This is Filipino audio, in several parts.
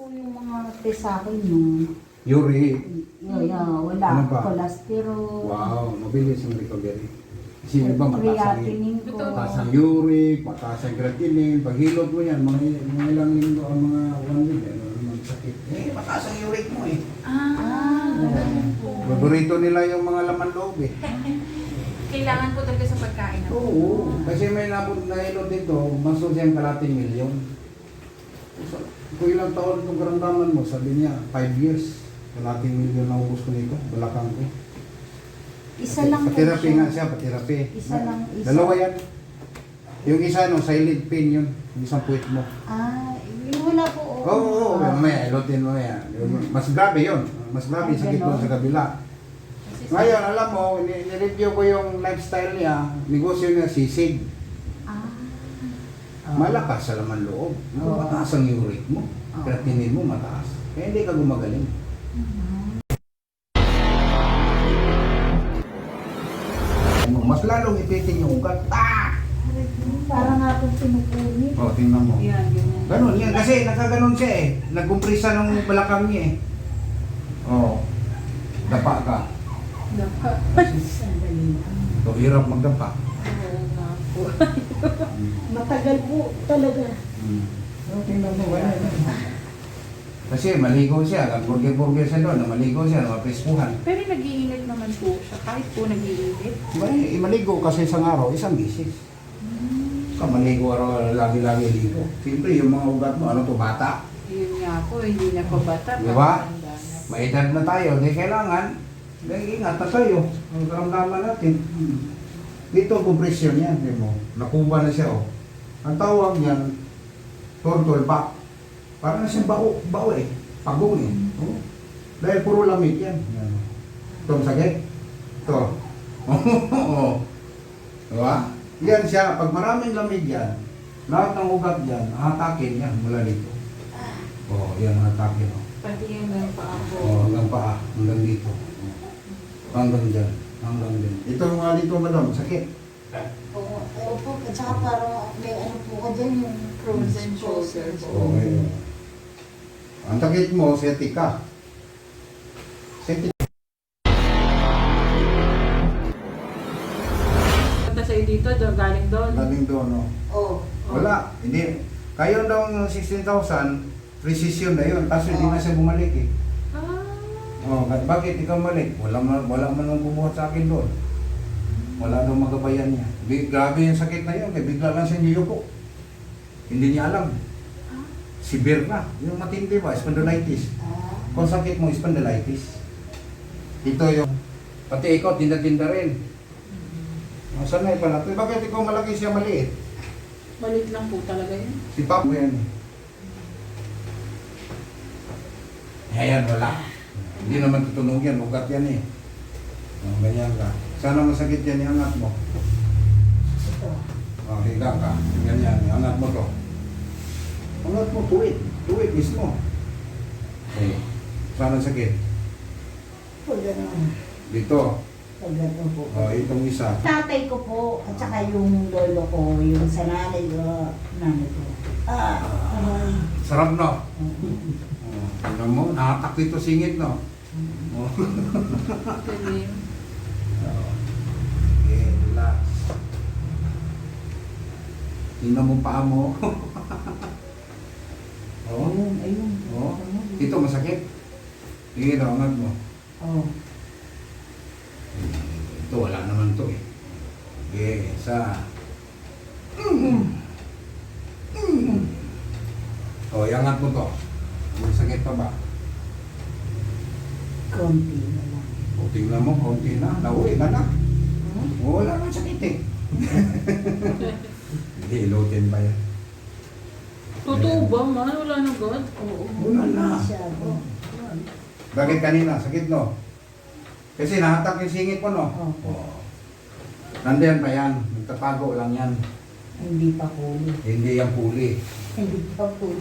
po yung mga test sa akin yung Uric. wala. Ano ba? Cholesterol. Wow, mabilis ang recovery. Kasi yung iba mataas ang, Creatinine ko. mataas ang uric, mataas ang creatinine. Pag hilot mo yan, mga ilang linggo ang mga 1 week, ano naman sakit. Eh, mataas ang uric mo eh. Ganun po. Paborito nila yung mga laman loob eh. Kailangan po talaga sa pagkain. Oo, kasi may nabot na hilot dito, maso siyang kalating milyon. So, kung ilang taon itong karamdaman mo, sabi niya, 5 years. Kalating milyon na ubos ko nito, balakang ko. Isa lang po Patirapi siya. nga siya, patirapi. Isa lang, isa. Dalawa yan. Yung isa, no, silent pain yun. Yung isang puwit mo. Yung wala po. Oo, mamaya, ilotin mo yan. Mas grabe yun. Mas grabe yung sakit mo sa kabila. Ngayon, alam mo, nireview ko yung lifestyle niya, negosyo niya, sisig. Malakas sa laman loob. Mataas ang uric mo. Creatinine mo mataas. Kaya hindi ka gumagaling. Mas lalong ipitin yung ugat. Parang nga po pinupunit. O, tingnan mo. Yan, ganyan. Ganun yan. Kasi nakaganon siya eh. Nagkumprisa ng balakang niya eh. Oo. Dapa ka. Dapat. Sandali lang. So, hirap magdapa. Oo nga po. Matagal po talaga. Tingnan mo. Kasi maligo siya. Nag-burger-burger siya doon. Maligo siya. Maprespuhan. Pero nag-iinit naman po siya. Kahit po nag-iinit. Maligo kasi isang araw, isang bisis. Ka maligo araw, lagi-lagi ligo. Siyempre, yung mga ugat mo, ano to, bata? Yun nga po, hindi na po bata. Di ba? Patanda na. May edad na tayo, di kailangan. Ingat na tayo. Ang karamdaman natin. Dito ang compression yan, di mo. Nakuha na siya, oh. Ang tawag yan, turtle back. Parang na siyang bao eh. Pagong eh. Oh. Dahil puro lamig yan. Yan. Ito ang sakit. Ito. Oo. Diba? Yan siya. Pag maraming lamig yan, lahat ng ugat yan, hatakin yan mula dito. Oh, yan hatakin. Oh. Pati yung paa po. Oh, hanggang paa. Hanggang dito. Hanggang dyan. Hanggang dyan. Ito nga dito, madam. Sakit. Opo, at saka parang may ano po ka dyan yung Frozen shoulder po. Okay. Ang sakit mo, seti ka. Seti. Punta sa'yo dito, galing doon. Galing doon, no? Oh. Wala. Hindi. Kayo daw ng 16,000, precision na yun. Kaso hindi na siya bumalik eh. Oh, bakit ikaw malik? Wala man nang bumuhat sa akin doon. Wala daw magabayan niya. Grabe yung sakit na yun. Kaya bigla lang siya niyuko. Hindi niya alam. Severe na. Yung matindi ba? Spondylitis. Kung sakit mo, spondylitis. Ito yung... Pati ikaw, tinda-tinda rin. Sanay pala ito. Bakit ikaw malaki siya maliit? Malit lang po talaga yun. Si Papa yan. Ayan, wala. Hindi naman tutunog yan. Ugat yan eh. Oh, ganyan ka. Sana masakit yan, iangat mo. Ito. Oh, higa ka. Ganyan, iangat mo to. Angat mo, tuwid. Tuwid mismo. Okay. Sana sakit. Pag ano, Dito. pag ano po. Oh, itong isa. Tatay ko po, at saka yung lolo ko, yung sa nanay ko. Aray. Sarap, no? Oh, tingnan mo, nakatak dito singit, no? Oh. Galing. Okay, relax. Tingnan mo paa mo. Oh. Ayun. Oh. Ito, masakit. Sige, angat mo. Oh. Ito, wala naman to eh. Okay, isa. Oh, iangat mo to. Masakit pa ba? Konti na lang. O, tingnan mo, konti na. Nauwi ka na. Oh, wala naman sakit eh. Hindi, ilutin pa yan. Totoo ba, man? Wala na God? Oo. Wala na. Masyado. Bakit kanina? Sakit, no? Kasi nahatak yung singit mo, no? Opo. Oh. Nandiyan pa yan. Nagtatago lang yan. Hindi pa huli. Hindi yan puli. Hindi pa huli.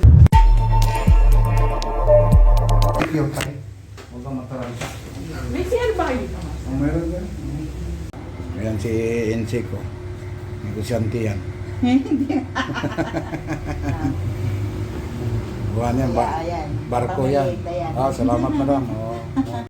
Clear tayo. Huwag kang mataranta. May CR ba kayo dito? Ang meron yan. Ayan si NC ko. Negosyante yan. Buwan yan, Kaya, ayan. barko yan. Pamiliit na yan. Ah, salamat madam. Oh.